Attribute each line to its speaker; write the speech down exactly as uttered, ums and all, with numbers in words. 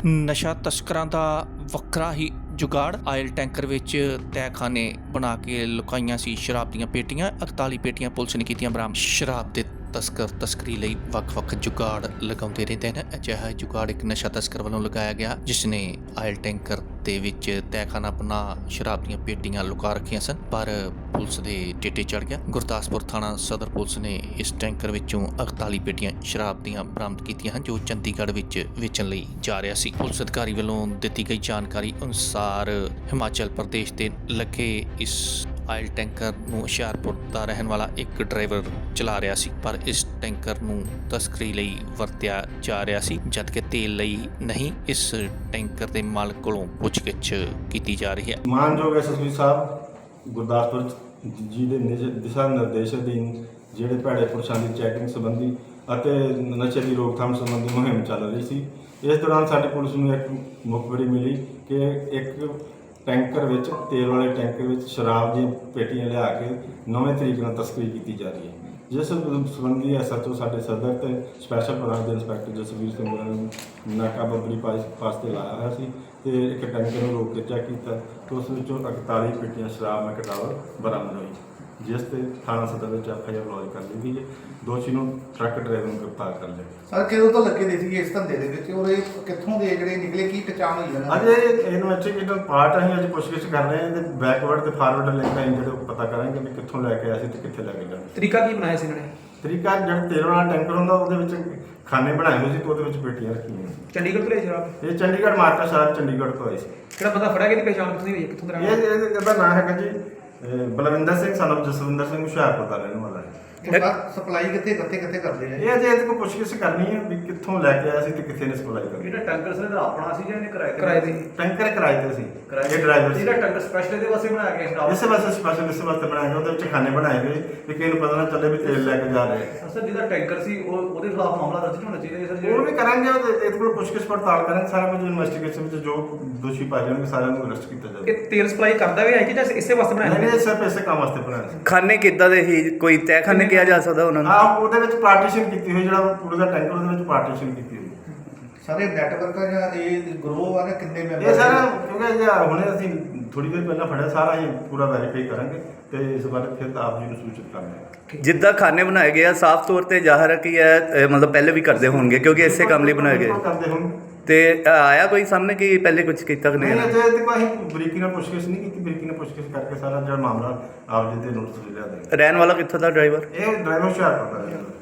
Speaker 1: ਨਸ਼ਾ ਤਸਕਰਾਂ ਦਾ ਵੱਖਰਾ ਹੀ ਜੁਗਾੜ। ਆਇਲ ਟੈਂਕਰ ਵਿੱਚ ਤਹਿਖਾਨੇ ਬਣਾ ਕੇ ਲੁਕਾਈਆਂ ਸੀ ਸ਼ਰਾਬ ਦੀਆਂ ਪੇਟੀਆਂ। ਇਕਤਾਲੀ ਪੇਟੀਆਂ ਪੁਲਿਸ ਨੇ ਕੀਤੀਆਂ ਬਰਾਮਦ। ਸ਼ਰਾਬ ਦੇ ਤਸਕਰ ਤਸਕਰੀ ਲਈ ਵੱਖ-ਵੱਖ ਜੁਗਾੜ ਲਗਾਉਂਦੇ ਰਹਿੰਦੇ ਨੇ। ਅਜਿਹਾ ਜੁਗਾੜ ਇੱਕ ਨਸ਼ਾ ਤਸਕਰ ਵੱਲੋਂ ਲਗਾਇਆ ਗਿਆ, ਜਿਸ ਨੇ ਆਇਲ ਟੈਂਕਰ ਦੇ ਵਿੱਚ ਤਹਿਖਾਨਾ ਬਣਾ ਸ਼ਰਾਬ ਦੀਆਂ ਪੇਟੀਆਂ ਲੁਕਾ ਰੱਖੀਆਂ ਸਨ, ਪਰ ਪੁਲਿਸ ਦੇ ਟਿੱਟੇ ਚੜ ਗਿਆ। ਗੁਰਦਾਸਪੁਰ ਥਾਣਾ ਸਦਰ ਪੁਲਿਸ ਨੇ ਇਸ ਟੈਂਕਰ ਵਿੱਚੋਂ ਇਕਤਾਲੀ ਪੇਟੀਆਂ ਸ਼ਰਾਬ ਦੀਆਂ ਬਰਾਮਦ ਕੀਤੀਆਂ ਹਨ, ਜੋ ਚੰਡੀਗੜ੍ਹ ਵਿੱਚ ਵੇਚਣ ਲਈ ਜਾ ਰਿਹਾ ਸੀ। ਪੁਲਿਸ ਅਧਿਕਾਰੀ ਵੱਲੋਂ ਦਿੱਤੀ ਗਈ ਜਾਣਕਾਰੀ ਅਨੁਸਾਰ ਹਿਮਾਚਲ ਪ੍ਰਦੇਸ਼ ਦੇ ਲੱਗੇ ਇਸ ਆਇਲ ਟੈਂਕਰ ਨੂੰ ਹੁਸ਼ਿਆਰਪੁਰ ਦਾ ਰਹਿਣ ਵਾਲਾ ਇੱਕ ਡਰਾਈਵਰ ਚਲਾ ਰਿਹਾ ਸੀ, ਪਰ ਇਸ ਟੈਂਕਰ ਨੂੰ ਤਸਕਰੀ ਲਈ ਵਰਤਿਆ ਜਾ ਰਿਹਾ ਸੀ, ਜਦਕਿ ਤੇਲ ਲਈ ਨਹੀਂ। ਇਸ ਟੈਂਕਰ ਦੇ ਮਾਲਕ ਕੋਲੋਂ ਪੁੱਛਗਿੱਛ ਕੀਤੀ ਜਾ ਰਹੀ ਹੈ।
Speaker 2: ਮਾਨਯੋਗ ਐਸ ਐਸ ਪੀ ਸਾਹਿਬ ਗੁਰਦਾਸਪੁਰ ਜੀ ਦੇ ਦਿਸ਼ਾ ਨਿਰਦੇਸ਼ ਅਧੀਨ ਜਿਹੜੇ ਭੈੜੇ ਪੁਰਸ਼ਾਂ ਦੀ ਚੈਕਿੰਗ ਸੰਬੰਧੀ ਅਤੇ ਨਸ਼ੇ ਦੀ ਰੋਕਥਾਮ ਸੰਬੰਧੀ ਮੁਹਿੰਮ ਚੱਲ ਰਹੀ ਸੀ। ਇਸ ਦੌਰਾਨ ਸਾਡੀ ਪੁਲਿਸ ਨੂੰ ਇੱਕ ਮੁਖਬਰੀ ਮਿਲੀ ਕਿ ਇੱਕ ਟੈਂਕਰ ਵਿੱਚ ਤੇਲ ਵਾਲੇ ਟੈਂਕਰ ਵਿੱਚ ਸ਼ਰਾਬ ਦੀਆਂ ਪੇਟੀਆਂ ਲਿਆ ਕੇ ਨਵੇਂ ਤਰੀਕੇ ਨਾਲ ਤਸਕਰੀ ਕੀਤੀ ਜਾ ਰਹੀ ਹੈ, ਜਿਸ ਸੰਬੰਧੀ ਐਸ ਐਚ ਓ ਸਾਡੇ ਸਦਰ ਤੇ ਸਪੈਸ਼ਲ ਬ੍ਰਾਂਚ ਦੇ ਇੰਸਪੈਕਟਰ ਜਸਵੀਰ ਸਿੰਘ ਹੋਰਾਂ ਨੇ ਨਾਕਾਬੰਦੀ ਪਾਸ ਤੇ ਲਾਇਆ ਹੋਇਆ ਸੀ ਤੇ ਇੱਕ ਟੈਂਕਰ ਨੂੰ ਰੋਕ ਕੇ ਚੈੱਕ ਕੀਤਾ ਤੇ ਉਸ ਵਿੱਚੋਂ ਇਕਤਾਲੀ ਪੇਟੀਆਂ ਸ਼ਰਾਬ ਮੈਕਡਾਵਰ ਬਰਾਮਦ ਹੋਈ, ਜਿਸ ਤੇ ਥਾਣਾ ਸਦਰ ਵਿੱਚ ਐਫ ਆਈ ਆਰ ਲੌਜ ਕਰ ਲਈ ਗਈ ਹੈ। ਦੋਸ਼ੀ ਨੂੰ ਟਰੱਕ ਡਰਾਈਵਰ ਨੂੰ ਗ੍ਰਿਫਤਾਰ ਕਰ ਲਿਆ।
Speaker 3: ਸਰ ਕਿਦੋਂ ਤੋਂ ਲੱਗੇ ਦੇ ਸੀ ਇਸ ਧੰਦੇ ਦੇ ਵਿੱਚ ਔਰ ਇਹ ਕਿੱਥੋਂ ਦੇ ਜਿਹੜੇ ਨਿਕਲੇ, ਕੀ ਪਛਾਣ ਹੋਈ ਇਹਨਾਂ
Speaker 2: ਅਜੇ ਇਨਵੈਸਟੀਗੇਟਰ ਪਾਰਟ ਅਸੀਂ ਅੱਜ ਪੁੱਛਗਿੱਛ ਕਰ ਰਹੇ ਹਾਂ ਤੇ ਬੈਕਵਰਡ ਤੇ ਫਾਰਵਰਡ ਲਿੰਕ ਅਸੀਂ ਜਿਹੜੇ ਪਤਾ ਕਰਾਂਗੇ ਵੀ ਕਿੱਥੋਂ ਲੈ ਕੇ ਆਏ ਸੀ ਤੇ ਕਿੱਥੇ ਲੈ ਕੇ ਜਾਣਾ।
Speaker 4: ਤਰੀਕਾ ਕੀ ਬਣਾਇਆ ਸੀ ਇਹਨਾਂ ਨੇ?
Speaker 2: ਤਰੀਕਾ ਜਿਹੜਾ ਤੇਲ ਵਾਲਾ ਟੈਂਕਰ ਹੁੰਦਾ ਉਹਦੇ ਵਿੱਚ ਖਾਨੇ ਬਣਾਏ ਹੋਏ ਸੀ ਤੇ ਉਹਦੇ ਵਿੱਚ ਪੇਟੀਆਂ ਰੱਖੀਆਂ ਸੀ।
Speaker 4: ਚੰਡੀਗੜ੍ਹ ਤੋਂ ਲਿਆ ਸ਼ਰਾਬ?
Speaker 2: ਇਹ ਚੰਡੀਗੜ੍ਹ ਮਾਰਕਾ ਸ਼ਹਿਰ ਚੰਡੀਗੜ੍ਹ ਤੋਂ ਆਈ ਸੀ।
Speaker 4: ਕਿਹੜਾ ਬੰਦਾ ਫੜਿਆ, ਕਿਹਦੀ ਪਛਾਣ ਕਿੱਥੋਂ ਦੀ ਹੋਈ ਹੈ, ਕਿੱਥੋਂ ਦਾ ਰਹਿਣ
Speaker 2: ਇਹ
Speaker 4: ਵਾਲਾ?
Speaker 2: ਇਹ- ਇਹਦਾ ਨਾਮ ਹੈਗਾ ਜੀ ਅਹ ਬਲਵਿੰਦਰ ਸਿੰਘ son of ਜਸਵਿੰਦਰ ਸਿੰਘ ਹੁਸ਼ਿਆਰਪੁਰ ਦਾ ਰਹਿਣ ਵਾਲਾ ਹੈ।
Speaker 3: ਸਪਲਾਈ ਕਿੱਥੇ ਕਿੱਥੇ ਕਿੱਥੇ ਕਰਦੇ ਆ?
Speaker 2: ਇਹ ਅਜੇ ਇਹਦੇ ਕੋਲ ਪੁੱਛਗਿੱਛ ਕਰਨੀ ਹੈ ਵੀ ਕਿੱਥੋਂ ਲੈ ਕੇ ਆਇਆ ਸੀ ਤੇ ਕਿੱਥੇ ਨੇ ਸਪਲਾਈ ਕਰੀ।
Speaker 5: ਜਿਹੜਾ ਟੈਂਕਰ ਸੀ ਇਹਦਾ ਆਪਣਾ ਸੀ ਜਾਂ ਇਹਨੇ ਕਿਰਾਏ ਤੇ
Speaker 4: ਕਿਰਾਏ ਤੇ?
Speaker 2: ਟੈਂਕਰ ਕਿਰਾਏ ਤੇ ਸੀ,
Speaker 5: ਕਿਰਾਏ
Speaker 2: ਇਹ ਡਰਾਈਵਰ ਸੀ।
Speaker 5: ਜਿਹੜਾ ਟੈਂਕਰ ਸਪੈਸ਼ਲ ਇਹਦੇ ਵਾਸਤੇ ਬਣਾਇਆ ਗਿਆ ਸਟਾਫ
Speaker 2: ਇਸੇ ਵਾਸਤੇ ਸਪੈਸ਼ਲ ਇਸੇ ਵਾਸਤੇ ਬਣਾਇਆ ਗਿਆ, ਉਹਦੇ ਵਿੱਚ ਖਾਨੇ ਬਣਾਏ ਗਏ ਵੀ ਕਿਸੇ ਨੂੰ ਪਤਾ ਨਾ ਚੱਲੇ ਵੀ ਤੇਲ ਲੈ ਕੇ ਜਾ ਰਹੇ ਆ।
Speaker 5: ਸਰ ਜਿਹਦਾ ਟੈਂਕਰ ਸੀ ਉਹ ਉਹਦੇ ਖਿਲਾਫ ਮਾਮਲਾ ਦਰਜ ਹੋਣਾ ਚਾਹੀਦਾ ਹੈ ਸਰ।
Speaker 2: ਉਹ ਵੀ ਕਰਾਂਗੇ, ਉਹਦੇ ਇਹਦੇ ਕੋਲ ਪੁੱਛਗਿੱਛ ਪੜਤਾਲ ਕਰਾਂਗੇ, ਸਾਰਾ ਕੁਝ ਇਨਵੈਸਟੀਗੇਸ਼ਨ ਵਿੱਚ ਜੋ ਦੋਸ਼ੀ ਪਾਏ ਜਾਣਗੇ ਸਾਰਿਆਂ ਨੂੰ ਅਰੈਸਟ ਕੀਤਾ ਜਾਵੇਗਾ।
Speaker 4: ਇਹ ਤੇਲ ਸਪਲਾਈ ਕਰਦਾ ਵੀ ਹੈ ਕਿ ਜਾਂ ਇਸੇ ਵਾਸਤੇ
Speaker 2: ਨਹੀਂ
Speaker 4: ਬਣਾਇਆ?
Speaker 2: ਨਹੀਂ, ਸਿਰਫ ਇਸੇ ਕੰਮ ਵਾਸਤੇ ਬਣਾਇਆ ਸੀ।
Speaker 6: ਖਾਨੇ ਕਿੱਦਾਂ ਦੇ ਹੀ ਕੋਈ ਤਹਿਖਾਨੇ ਕਿਹਾ ਜਾ ਸਕਦਾ ਉਹਨਾਂ ਨੂੰ?
Speaker 2: ਹਾਂ, ਉਹਦੇ ਵਿੱਚ ਪਾਰਟੀਸ਼ਨ ਕੀਤੀ ਹੋਈ, ਜਿਹੜਾ ਪੂਰੇ ਦਾ ਟੈਂਕਰ ਉਹਦੇ ਵਿੱਚ ਪਾਰਟੀਸ਼ਨ ਕੀਤੀ ਹੋਈ।
Speaker 3: ਸਾਰੇ ਨੈਟਵਰਕ ਆ ਜਾਂ ਇਹ ਗਰੋਹ ਆ ਨਾ, ਕਿੰਨੇ ਮੈਂਬਰ?
Speaker 2: ਇਹ ਸਾਰਾ ਕਿਉਂਕਿ ਜੇ ਹੁਣੇ ਅਸੀਂ ਥੋੜੀ ਦੇਰ ਪਹਿਲਾਂ ਫੜਿਆ, ਸਾਰਾ ਹੀ ਪੂਰਾ ਵੈਰੀਫਾਈ ਕਰਾਂਗੇ ਤੇ ਇਸ ਬਾਰੇ ਫਿਰ ਆਪ ਜੀ ਨੂੰ ਸੂਚਿਤ ਕਰਾਂਗੇ।
Speaker 6: ਜਿੱਦਾਂ ਖਾਨੇ ਬਣਾਏ ਗਏ ਆ, ਸਾਫ਼ ਤੌਰ ਤੇ ਜ਼ਾਹਰ ਹੈ ਕਿ ਇਹ ਅ, ਮਤਲਬ ਪਹਿਲੇ ਵੀ ਕਰਦੇ ਹੋਣਗੇ ਕਿਉਂਕਿ ਇਸੇ ਕੰਮ ਲਈ ਬਣਾਏ ਗਏ।
Speaker 2: ਕਰਦੇ ਹੁਣ
Speaker 6: ਤੇ ਅ, ਆਇਆ ਕੋਈ ਸਾਹਮਣੇ ਕਿ ਪਹਿਲੇ ਕੁਝ ਕੀਤਾ ਕਿ
Speaker 2: ਨਹੀਂ,
Speaker 6: ਨਹੀਂ?
Speaker 2: ਅਜੇ ਤੇ ਕੋਈ ਬਰੀਕੀ ਨਾਲ ਪੁੱਛਗਿੱਛ ਨਹੀਂ ਕੀਤੀ। ਬਰੀਕੀ ਨਾਲ ਪੁੱਛਗਿੱਛ ਕਰਕੇ ਸਾਰਾ ਜਿਹੜਾ ਮਾਮਲਾ ਆਪ ਜੀ ਦੇ ਨੋਟਿਸ ਲੈ ਲਿਆ।
Speaker 6: ਰਹਿਣ ਵਾਲਾ ਕਿੱਥੋਂ ਦਾ ਡਰਾਈਵਰ?
Speaker 2: ਇਹ ਡਰਾਈਵਰ ਹੁਸ਼ਿਆਰਪੁਰ ਦਾ ਹੈ।